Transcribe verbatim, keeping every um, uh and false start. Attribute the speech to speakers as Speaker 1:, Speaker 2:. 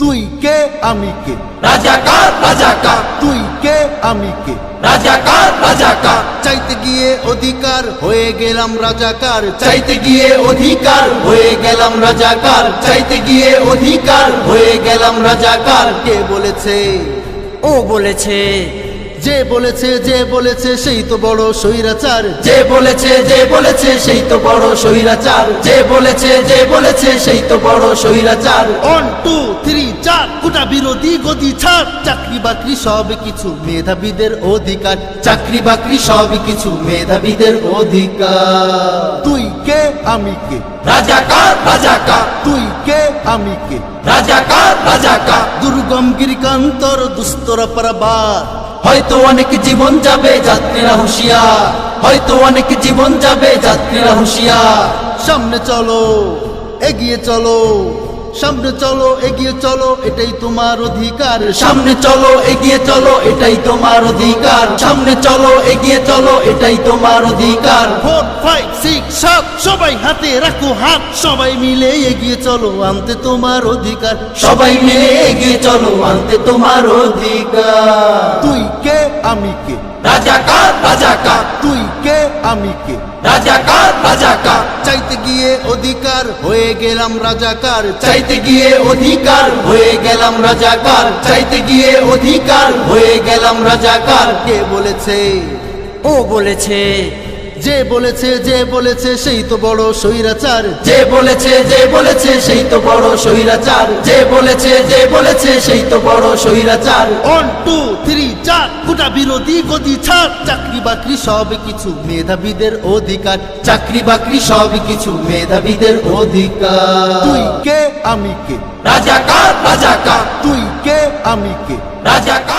Speaker 1: তুই কে আমি কে,
Speaker 2: রাজাকার রাজাকার,
Speaker 1: তুই কে আমি কে,
Speaker 2: রাজাকার রাজাকার,
Speaker 1: চাইতে গিয়ে অধিকার হয়ে গেলাম রাজাকার,
Speaker 2: চাইতে গিয়ে অধিকার হয়ে গেলাম রাজাকার, চাইতে গিয়ে অধিকার হয়ে গেলাম রাজাকার।
Speaker 1: কে বলেছে,
Speaker 2: ও বলেছে,
Speaker 1: যে বলেছে যে বলেছে সেই তো বড় স্বৈরাচার,
Speaker 2: যে বলেছে যে বলেছে সেই তো বড় স্বৈরাচার, যে বলেছে যে বলেছে সেই তো বড় স্বৈরাচার।
Speaker 1: ওয়ান টু থ্রি চার কোটা বিরোধী গদি ছাড়, চাকরি বাকরি সব কিছু মেধাবীদের অধিকার,
Speaker 2: চাকরি বাকরি সব কিছু মেধাবীদের অধিকার।
Speaker 1: তুই কে আমি কে,
Speaker 2: রাজাকার রাজাকার,
Speaker 1: তুই কে আমি কে,
Speaker 2: রাজাকার রাজাকার,
Speaker 1: দুর্গম গিরিকান্তর দুস্তরা পারাবার,
Speaker 2: হয়তো অনেক জীবন যাবে যাত্রীরা হুঁশিয়ার, হয়তো অনেক জীবন যাবে যাত্রীরা হুঁশিয়ার।
Speaker 1: সামনে চলো এগিয়ে চলো, সামনে চলো এগিয়ে চলো এটাই তোমার অধিকার,
Speaker 2: সামনে চলো এগিয়ে চলো এটাই তোমার অধিকার, সামনে চলো এগিয়ে চলো এটাই তোমার অধিকার।
Speaker 1: ফোর ফাইভ সিক্স সাত সবাই হাতে রাখো হাত, সবাই মিলে এগিয়ে চলো আনতে তোমার অধিকার,
Speaker 2: সবাই মিলে এগিয়ে চলো আনতে তোমার অধিকার।
Speaker 1: তুই কে আমি কে,
Speaker 2: রাজাকার রাজাকার,
Speaker 1: তুই কে আমি কে,
Speaker 2: রাজাকার রাজাকার,
Speaker 1: চাইতে গিয়ে অধিকার হয়ে গেলাম রাজাকার,
Speaker 2: চাইতে গিয়ে অধিকার হয়ে গেলাম রাজাকার, চাইতে গিয়ে অধিকার হয়ে গেলাম রাজাকার।
Speaker 1: কে বলেছে,
Speaker 2: ও বলেছে,
Speaker 1: যে বলেছে যে বলেছে সেই তো বড় স্বৈরাচার,
Speaker 2: যে বলেছে যে বলেছে সেই তো বড় স্বৈরাচার, যে বলেছে যে বলেছে সেই তো বড় স্বৈরাচার।
Speaker 1: ওয়ান টু থ্রি চার কোটা বিরোধী গদি ছাড়, চাকরি বাকরি সব কিছু মেধাবীদের অধিকার,
Speaker 2: চাকরি বাকরি সব কিছু মেধাবীদের অধিকার।
Speaker 1: তুই কে আমি কে,
Speaker 2: রাজাকার রাজাকার,
Speaker 1: তুই কে আমি কে,
Speaker 2: রাজাকার